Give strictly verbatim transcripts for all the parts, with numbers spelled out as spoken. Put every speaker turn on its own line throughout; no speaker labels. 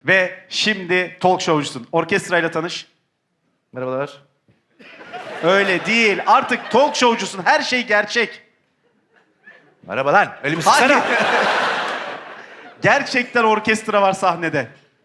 Ve şimdi talk showcusun. Orkestrayla tanış.
Merhabalar.
Öyle değil. Artık talk showcusun. Her şey gerçek.
Merhaba lan. Elimi
Hayır.
sıksana.
Gerçekten orkestra var sahnede.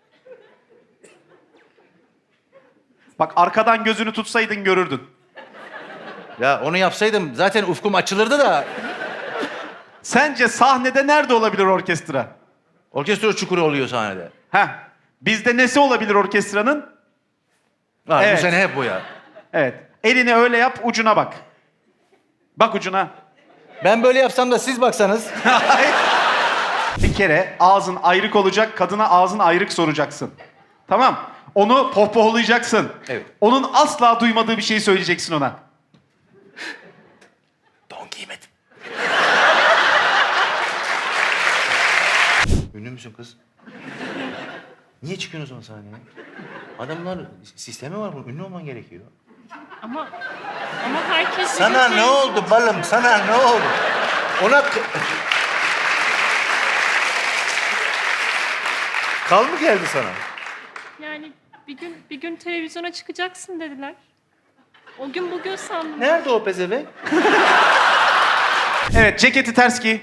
Bak arkadan gözünü tutsaydın görürdün.
Ya onu yapsaydım zaten ufkum açılırdı da.
Sence sahnede nerede olabilir orkestra?
Orkestra çukuru oluyor sahnede.
Heh. Bizde nesi olabilir orkestranın?
Ha,
Evet.
Bu sene hep bu ya.
Evet. Elini öyle yap, ucuna bak. Bak ucuna.
Ben böyle yapsam da siz baksanız.
Bir kere ağzın ayrık olacak, kadına ağzın ayrık soracaksın. Tamam. Onu pohpohlayacaksın.
Evet.
Onun asla duymadığı bir şeyi söyleyeceksin ona.
Don giymedim. Ünlü müsün kız? Niye çıkıyorsun o zaman sahneye? Adamlar sistemi var bunun. Ünlü olman gerekiyor.
Ama ama herkes
Sana
bizim
ne oldu balım? Sana ne oldu? Ona... k- Kal mı geldi sana?
Yani bir gün bir gün televizyona çıkacaksın dediler. O gün bugün sandım.
Nerede o pezevenk?
Evet, ceketi ters giy.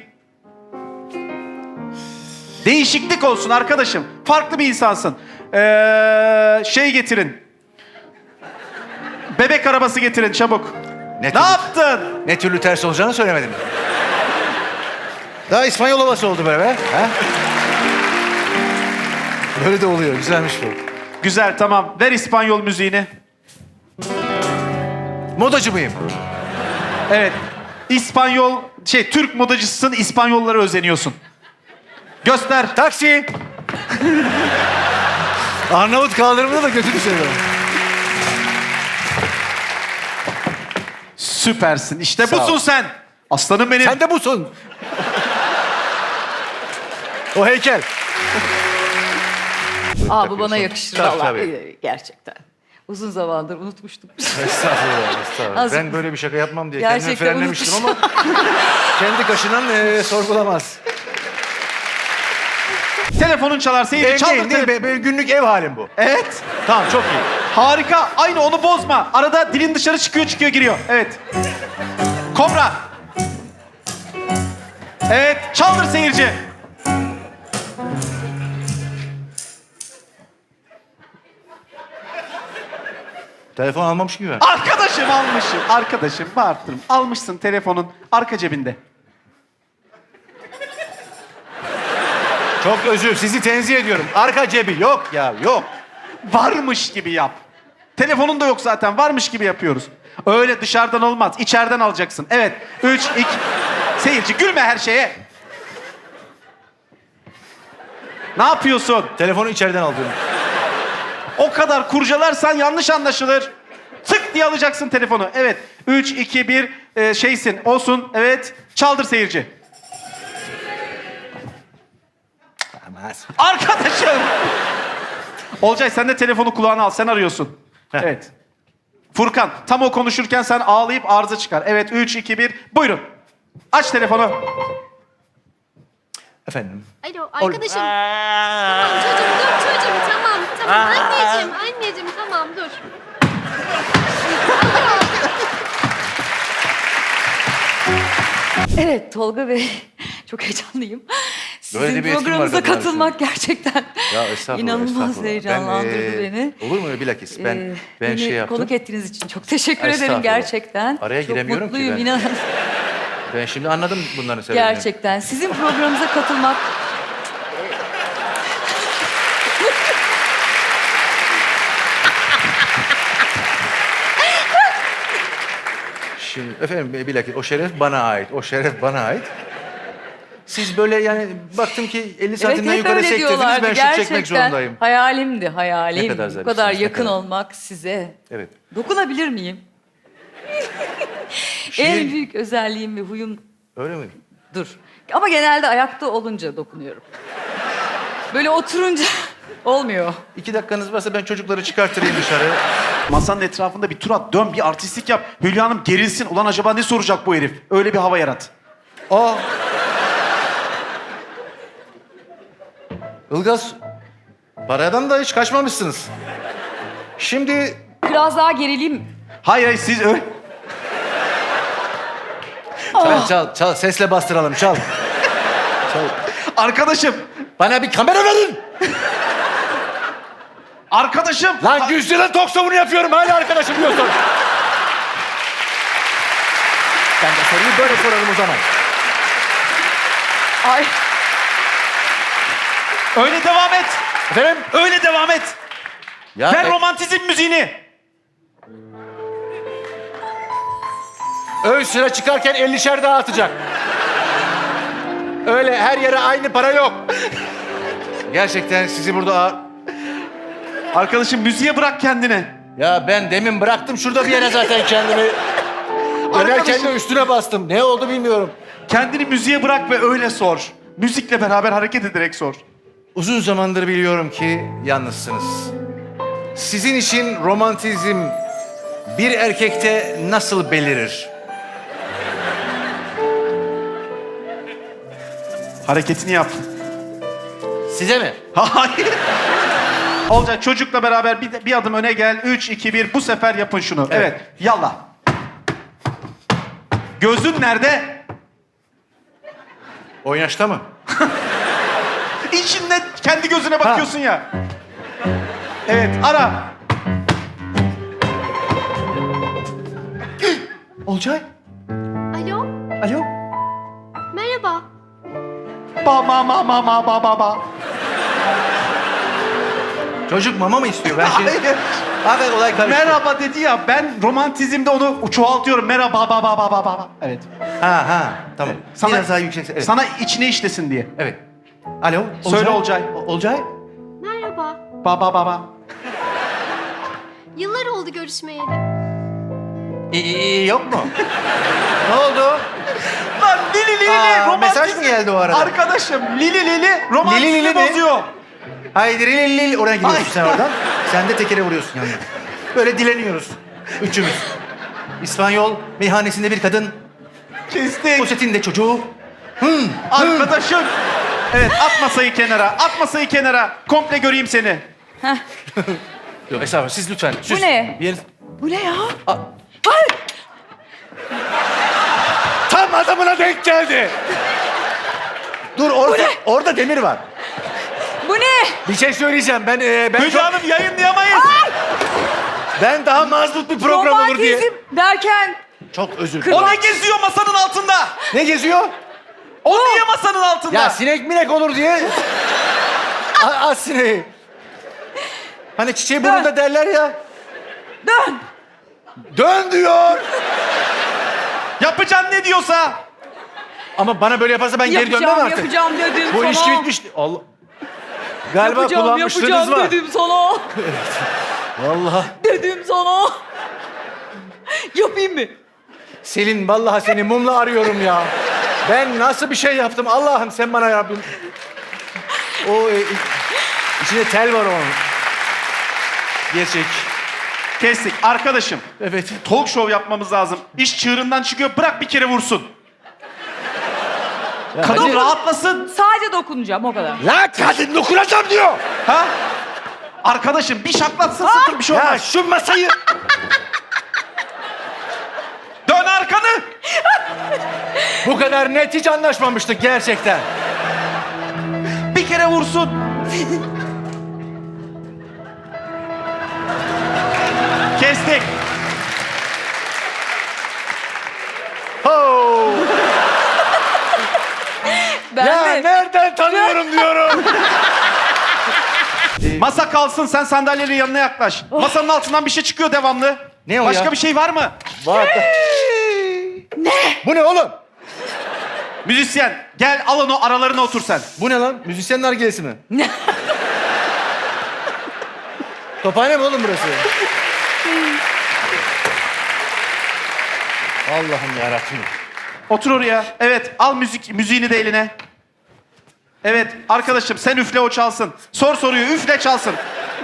Değişiklik olsun arkadaşım. Farklı bir insansın. Ee, şey getirin. Bebek arabası getirin çabuk.
Ne,
Ne
türlü,
yaptın?
ne türlü ters olacağını söylemedim. Daha İspanyol havası oldu böyle be. Ha? Böyle de oluyor. Güzelmiş bu.
Güzel tamam. Ver İspanyol müziğini.
Modacı mıyım?
Evet. İspanyol, şey Türk modacısın, İspanyollara özeniyorsun. Göster.
Taksi! Arnavut kaldırımında da kötü düşüyor.
Süpersin. İşte
Sağ ol.
busun sen. Aslanım benim.
Sen de busun. O heykel.
Aa bu bana yakışır
Tabii,
vallahi.
tabii.
Ee, Gerçekten. Uzun zamandır unutmuştum.
Estağfurullah, estağfurullah.
Az-
Ben böyle bir şaka yapmam diye kendimi
Gerçekten
frenlemiştim ama kendi kaşınan e, sorgulamaz.
Telefonun çalar seyirci.
Değil,
Çaldır
değil, değil.
telefonu.
Be- Benim günlük ev halim bu.
Evet.
Tamam, çok iyi.
Harika. Aynı onu bozma. Arada dilin dışarı çıkıyor çıkıyor giriyor. Evet. Kobra. Evet. Çaldır seyirci.
Telefon almamış gibi.
Arkadaşım almışım. Arkadaşım bağırttırım. Almışsın telefonun arka cebinde.
Çok özür, sizi tenzih ediyorum. Arka cebi yok ya, yok.
Varmış gibi yap. Telefonun da yok zaten. Varmış gibi yapıyoruz. Öyle dışarıdan olmaz. İçeriden alacaksın. Evet. Üç, iki... Seyirci gülme her şeye. Ne yapıyorsun?
Telefonu içeriden aldım.
O kadar kurcalarsan yanlış anlaşılır. Tık diye alacaksın telefonu. Evet. Üç, iki, bir e, şeysin. Olsun. Evet. Çaldır seyirci.
Olmaz.
Arkadaşım. Olcay sen de telefonu kulağına al. Sen arıyorsun. Evet. Furkan tam o konuşurken sen ağlayıp arıza çıkar. Evet. Üç, iki, bir. Buyurun. Aç telefonu.
Efendim.
Alo arkadaşım. Tamam çocuğum dur çocuğum tamam tamam anneciğim anneciğim tamam dur.
Evet Tolga Bey, çok heyecanlıyım.
Böyle
Sizin
de bir etkim var
programınıza
kadınlar
katılmak gerçekten
Ya estağfurullah,
inanılmaz
estağfurullah.
heyecanlandırdı
Ben, e,
beni.
Olur mu bilakis? Ben
Ee,
ben
beni
şey yaptım.
konuk ettiğiniz için çok teşekkür ederim
Estağfurullah.
gerçekten.
Araya
çok
giremiyorum ki
mutluyum,
ben.
inanın.
Ben şimdi anladım bunların sebebini.
Gerçekten. Sizin programınıza katılmak...
Şimdi efendim bilakis o şeref bana ait. O şeref bana ait. Siz böyle yani baktım ki elli
Evet
santimden
hep
yukarı
öyle
sektirdiniz.
diyorlardı.
Ben şut
Gerçekten
çekmek zorundayım.
hayalimdi, hayalim.
Ne kadar
Bu
zarifsiniz,
kadar
ne
yakın
kadar.
olmak size.
Evet.
Dokunabilir miyim?
Şiir-
En büyük özelliğim ve huyum
Öyle mi?
dur. Ama genelde ayakta olunca dokunuyorum. Böyle oturunca olmuyor.
İki dakikanız varsa ben çocukları çıkartırayım dışarı.
Masanın etrafında bir tur at. Dön bir artistlik yap. Hülya Hanım gerilsin. Ulan acaba ne soracak bu herif? Öyle bir hava yarat.
Aa. Ilgaz Paradan da hiç kaçmamışsınız. Şimdi
Biraz daha gerileyim.
Hayır hayır siz öyle...
çal, çal, çal. Sesle bastıralım, çal. Çal.
Arkadaşım.
Bana bir kamera verin.
Arkadaşım.
Lan yüz yılın talk show'unu yapıyorum. Hala arkadaşım diyorsun. Ben de soruyu böyle sorarım o zaman.
Ay.
Öyle devam et.
Efendim?
Öyle devam et.
Ya,
Ver
e-
romantizm müziğini.
ön sıra çıkarken ellişer dağıtacak. Öyle her yere aynı para yok. Gerçekten sizi burada... ağır-
Arkadaşım müziğe bırak kendini.
Ya ben demin bıraktım şurada bir yere zaten kendimi. Dönerken
Arkadaşım.
de üstüne bastım. Ne oldu bilmiyorum.
Kendini müziğe bırak ve öyle sor. Müzikle beraber hareket ederek sor.
Uzun zamandır biliyorum ki yalnızsınız. Sizin için romantizm bir erkekte nasıl belirir?
Hareketini yap.
Size mi?
Hayır. Olcay çocukla beraber bir, bir adım öne gel. Üç, iki, bir. Bu sefer yapın şunu. Evet.
Evet.
Yallah. Gözün nerede?
Oynaşta mı?
İçinde kendi gözüne bakıyorsun ya. Evet. Ara.
Olcay.
Alo,
Alo.
merhaba.
Ba ma ma ma ma ba ba ba.
Çocuk mama mı istiyor? Ben şey...
Hayır.
Abi olay karıştı.
Merhaba dedi ya. Ben romantizmde onu çoğaltıyorum. Merhaba ba ba ba ba ba. Evet.
Ha ha tamam.
Sana-
Biraz daha yüksek. Evet.
Sana içine işlesin diye.
Evet. Alo.
Söyle Olcay.
O- Olcay.
Merhaba.
Ba ba ba ba.
Yıllar oldu görüşmeyeli.
İyi, iyi, iyi, yok mu? Ne oldu?
Lan Lili Lili
Aa,
romantizm.
mesaj mı geldi o arada?
Arkadaşım Lili Lili romantizmi
Lili Lili mi?
bozuyor.
Haydi lil lil oraya gidiyorsun
Ay.
sen oradan. Sen de tekere vuruyorsun yanına. Böyle dileniyoruz. Üçümüz. İspanyol meyhanesinde bir kadın.
Kestik.
Poşetinde çocuğu.
Arkadaşım. Evet at masayı kenara. At masayı kenara. Komple göreyim seni.
Yok estağfurullah siz lütfen. Siz,
ne?
Bir...
Bu ne ya?
A- Tam adamına denk geldi. Dur orada, orada demir var.
Bu ne?
Bir şey söyleyeceğim. Ben e, ben
Hülya
çok,
Hanım yayınlayamayız.
ben daha mazbut bir program olur diye.
Romantizm derken
Çok özür
Kır-
dilerim.
O ne geziyor masanın altında?
Ne geziyor?
O niye masanın altında?
Ya sinek minek olur diye. A- Az sineği. Hani çiçeği burnunda derler ya.
dön.
Dön diyor.
Yapacaksın ne diyorsa.
Ama bana böyle yaparsa ben geri dönmem
Yapacağım,
artık.
yapacağım dedim
Bu
sana.
ilişki bitmiş. Allah. Galiba
Yapacağım,
kullanmışlığınız
yapacağım
var.
dedim sana.
Vallahi.
Dedim sana. Yapayım mı?
Selin vallahi seni mumla arıyorum ya. Ben nasıl bir şey yaptım Allah'ım sen bana Rabbim. O e, içinde tel var onun. Gerçek.
Kestik. Arkadaşım.
Evet.
Talk show yapmamız lazım. İş çığırından çıkıyor. Bırak bir kere vursun. Kadın
hadi.
rahatlasın.
Sadece dokunacağım o kadar.
La kadın dokunacağım diyor.
Ha? Arkadaşım bir şaklatsın sıkın bir şey
Ya
olmaz.
şu masayı.
Dön arkanı.
Bu kadar net hiç anlaşmamıştık gerçekten.
Bir kere vursun. Kestik.
Ho.
Ben
Ya
de.
nereden tanıyorum diyorum.
Masa kalsın sen sandalyenin yanına yaklaş. Masanın altından bir şey çıkıyor devamlı.
Ne o
Başka
ya?
bir şey var mı?
Var. Ne? Bu ne oğlum?
Müzisyen gel al onu aralarına otur sen.
Bu ne lan? Müzisyenin nargilesi mi? Tophane mi oğlum burası? Allah'ım yarabbim.
Otur oraya. Evet al müzik müziğini de eline. Evet arkadaşım sen üfle o çalsın. Sor soruyu üfle çalsın.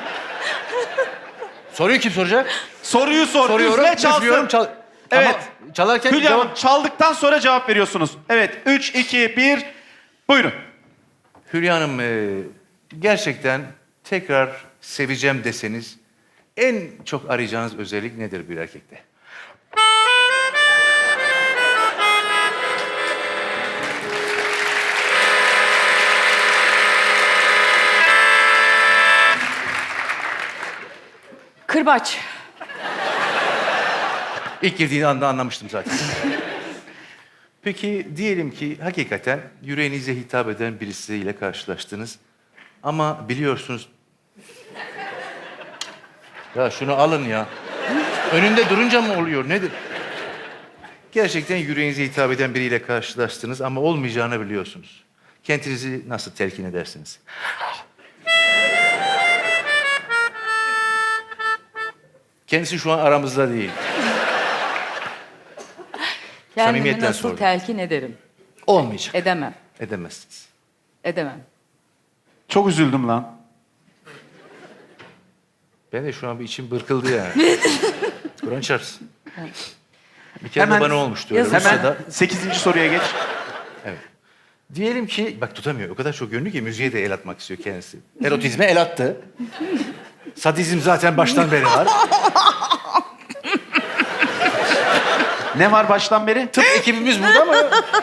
Soruyu kim soracak?
Soruyu sor
Soruyorum,
üfle çalsın.
üflüyorum, çal...
Evet.
Ama çalarken
Hülya Hanım
cevap...
çaldıktan sonra cevap veriyorsunuz. Evet üç, iki, bir buyurun.
Hülya Hanım e, gerçekten tekrar seveceğim deseniz en çok arayacağınız özellik nedir bir erkekte?
Kırbaç.
İlk girdiğin anda anlamıştım zaten. Peki diyelim ki hakikaten yüreğinize hitap eden birisiyle karşılaştınız. Ama biliyorsunuz... Ya şunu alın ya. Önünde durunca mı oluyor nedir? Gerçekten yüreğinize hitap eden biriyle karşılaştınız ama olmayacağını biliyorsunuz. Kendinizi nasıl telkin edersiniz? Kendisi şu an aramızda değil.
Kendimi
Samimiyetten
nasıl
sordum.
telkin ederim?
Olmayacak.
Edemem.
Edemezsiniz.
Edemem.
Çok üzüldüm lan.
Ben de şu an bir içim bırkıldı yani. Kur'an çarpsın. Bir kere de
Hemen-
bana olmuştu öyle.
Yazın.
Hemen
Rusya'da.
sekizinci soruya geç.
Evet. Diyelim ki, bak tutamıyor. O kadar çok yönlü ki müziğe de el atmak istiyor kendisi. Erotizme el attı. Sadizm zaten baştan beri var.
Ne var baştan beri?
Tıp ekibimiz burada mı?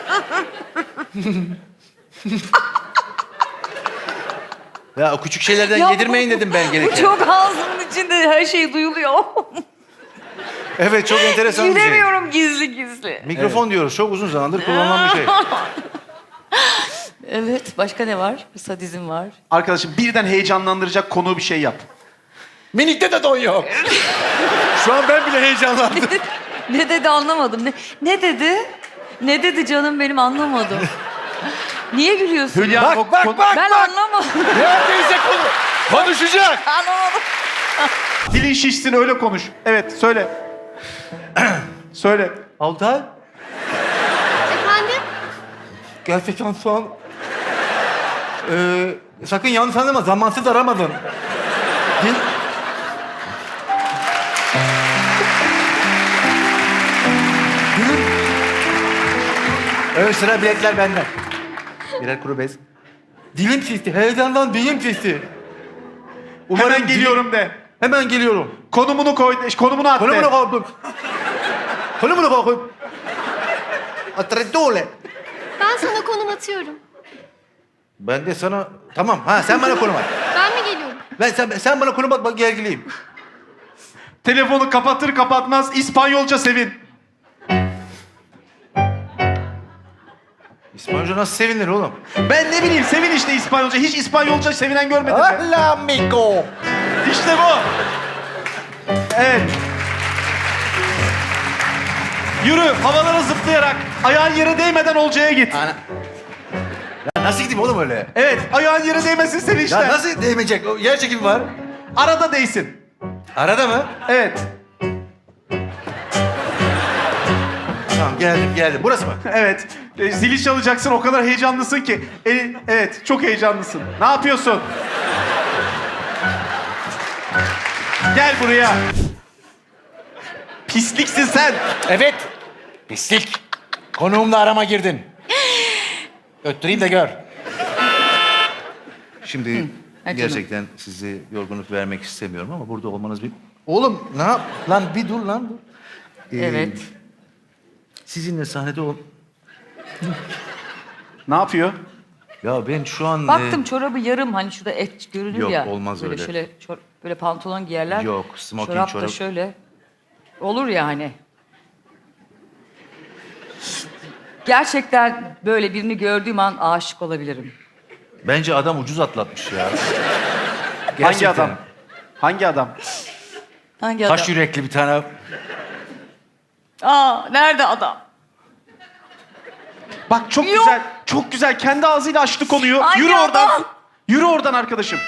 Ya o küçük şeylerden
Ya
yedirmeyin
bu-
dedim ben
Bu
gereken.
çok ağzımın içinde her şey duyuluyor.
Evet çok enteresan bir şey.
Gülemiyorum gizli gizli.
Mikrofon diyoruz. Çok uzun zamandır kullanılan bir şey.
Evet. Başka ne var? Sadizm var.
Arkadaşım birden heyecanlandıracak konu bir şey yap.
Minikte de don yok. Şu an ben bile heyecanlandım.
Ne dedi anlamadım. Ne, ne dedi? Ne dedi canım benim anlamadım. Niye gülüyorsun?
Hülya
Bak,
o-
bak,
kon-
bak.
Ben anlamadım.
Neredeyse konu. Konuşacak.
Anlamadım.
Dilin şişsin öyle konuş. Evet söyle. Söyle.
Altay.
Efendim?
Gerçekten şu an... Ee, sakın yanlış anlama. Zamansız aramadın. Dil... Dilim... Evet sıra biletler benden. Birer kuru bez. Dilim şişti. Heyecandan dilim şişti. Umarım
Hemen
dilim-
geliyorum de.
Hemen geliyorum.
Konumunu koy, konumunu at de.
Konumunu koydum. Konumunu koydum. Atredole.
Ben sana konum atıyorum.
Ben de sana... Tamam. Ha sen bana konum at.
Ben mi geliyorum?
Ben, sen, sen bana konum at, bak gergileyim.
Telefonu kapatır kapatmaz İspanyolca sevin.
İspanyolca nasıl sevinir oğlum?
Ben ne bileyim sevin işte İspanyolca. Hiç İspanyolca sevinen görmedim ben.
Hola amigo.
İşte bu. Evet. Yürü havalara zıplayarak ayağın yere değmeden Olcay'a git.
Ana. Ya nasıl gideyim oğlum öyle?
Evet ayağın yere değmesin sevinçten.
Ya nasıl değmeyecek? O yer çekimi var.
Arada değsin.
Arada mı?
Evet.
Tamam geldim geldim. Burası mı?
Evet. E, zili çalacaksın o kadar heyecanlısın ki. E, evet çok heyecanlısın. Ne yapıyorsun? Gel buraya. Pisliksin sen.
Evet. Pislik. Konuğumla arama girdin. Öttüreyim de gör. Şimdi
Ha, canım.
gerçekten size yorgunluk vermek istemiyorum ama burada olmanız bir... Oğlum ne yap? Lan bir dur lan dur. Ee,
Evet.
Sizinle sahnede ol...
Ne yapıyor?
Ya ben şu an...
Baktım
e,
çorabı yarım hani şurada et görünür
Yok,
ya.
olmaz
böyle
öyle.
Şöyle çor- böyle pantolon giyerler.
Yok, smoking
çorap. da
çorap.
şöyle. Olur ya hani. Gerçekten böyle birini gördüğüm an aşık olabilirim.
Bence adam ucuz atlatmış ya.
Hangi
Gerçekten.
adam? Hangi adam?
Hangi adam?
Taş yürekli bir tane.
Aa, nerede adam?
Bak çok
Yok.
güzel, çok güzel. Kendi ağzıyla açtı konuyu.
Hangi
Yürü oradan.
adam?
Yürü oradan arkadaşım.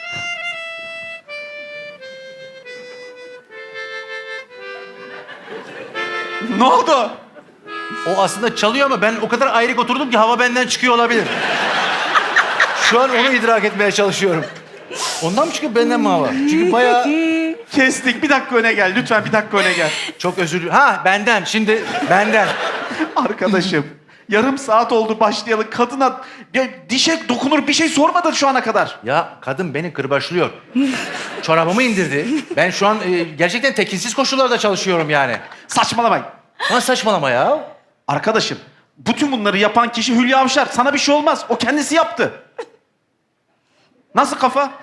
Ne oldu?
O aslında çalıyor ama ben o kadar ayrık oturdum ki hava benden çıkıyor olabilir. Şu an onu idrak etmeye çalışıyorum. Ondan mı çıkıyor benden mi hava? Çünkü bayağı
Kestik. Bir dakika öne gel. Lütfen bir dakika öne gel.
çok özür dilerim. Ha benden şimdi benden.
Arkadaşım. Yarım saat oldu başlayalı. Kadına ya, dişe dokunur bir şey sormadı şu ana kadar.
Ya kadın beni kırbaçlıyor. Çorabımı indirdi. Ben şu an e, gerçekten tekinsiz koşullarda çalışıyorum yani.
Saçmalamayın.
Nasıl saçmalama ya?
Arkadaşım, bütün bunları yapan kişi Hülya Avşar. Sana bir şey olmaz. O kendisi yaptı. Nasıl kafa?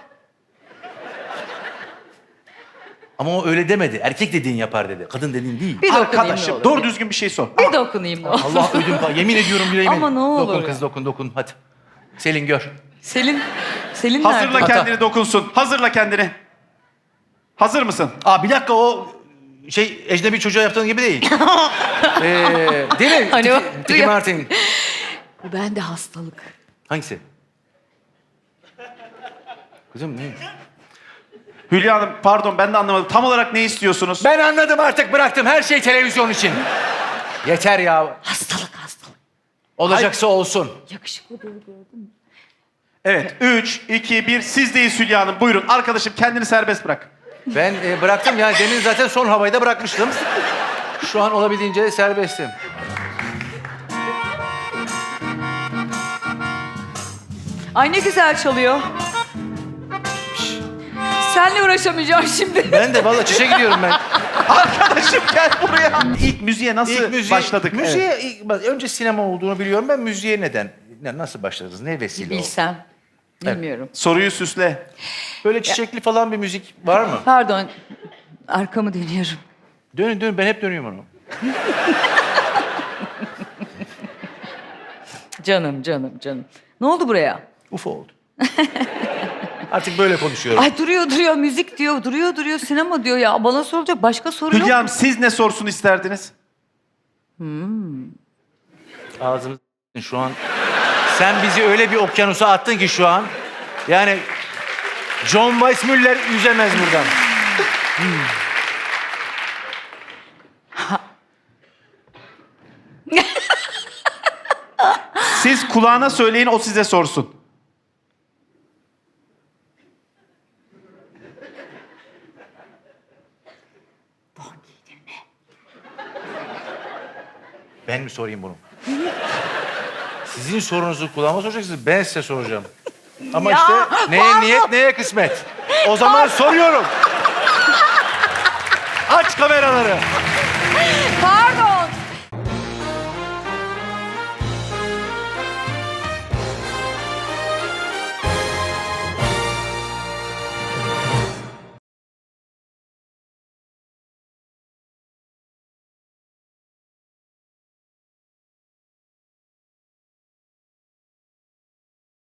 Ama o öyle demedi. Erkek dediğin yapar dedi. Kadın dediğin değil.
Bir dokunayım ne
Arkadaşım,
olur.
doğru düzgün bir şey sor.
Bir dokunayım ne olur.
Allah ödüm pa- yemin ediyorum yüreğimin.
Ama ne olur
Dokun
ya.
kız dokun dokun hadi. Selin gör.
Selin, Selin
Hazırla
nerede?
kendini dokunsun. Hazırla kendini. Hazır mısın?
Aa bir dakika o şey ecnebi çocuğa yaptığın gibi değil. ee, değil mi?
Hani o-
Tiki, Tiki Martin.
Bu bende hastalık.
Hangisi? Kızım ne?
Hülya Hanım, pardon ben de anlamadım. Tam olarak ne istiyorsunuz?
Ben anladım artık bıraktım. Her şey televizyon için. Yeter ya.
Hastalık, hastalık.
Olacaksa olsun.
Yakışıklı böyle gördün mü?
Evet. Üç, iki, bir. Sizdeyiz Hülya Hanım. Buyurun. Arkadaşım kendini serbest bırak.
Ben e, bıraktım yani demin zaten son havayı da bırakmıştım. Şu an olabildiğince serbestim.
Ay ne güzel çalıyor. Senle uğraşamayacağım şimdi.
Ben de vallahi çişe gidiyorum ben.
Arkadaşım gel buraya. İlk müziğe nasıl
İlk müziğe,
başladık?
Müziğe
Evet.
ilk- bak, önce sinema olduğunu biliyorum ben. Müziğe neden? Ne- Nasıl başladınız? Ne vesile oldu?
Bilsem. Bilmiyorum.
Soruyu süsle.
Böyle çiçekli falan bir müzik var mı?
Pardon. Arkamı dönüyorum.
Dönün dönün ben hep dönüyorum onu.
Canım, canım, canım. Ne oldu buraya?
Uf oldu. Artık böyle konuşuyorum.
Ay duruyor duruyor müzik diyor, duruyor duruyor sinema diyor ya. Bana soracak başka soru yok.
Hülya Hanım siz ne sorsun isterdiniz?
Ağzımız şu an. Sen bizi öyle bir okyanusa attın ki şu an. Yani John Weissmuller yüzemez buradan.
Siz kulağına söyleyin o size sorsun.
Ben mi sorayım bunu? Sizin sorunuzu kulağıma soracaksınız, ben size soracağım. Ama
Ya,
işte neye
pardon.
niyet, neye kısmet. O zaman soruyorum. Aç kameraları.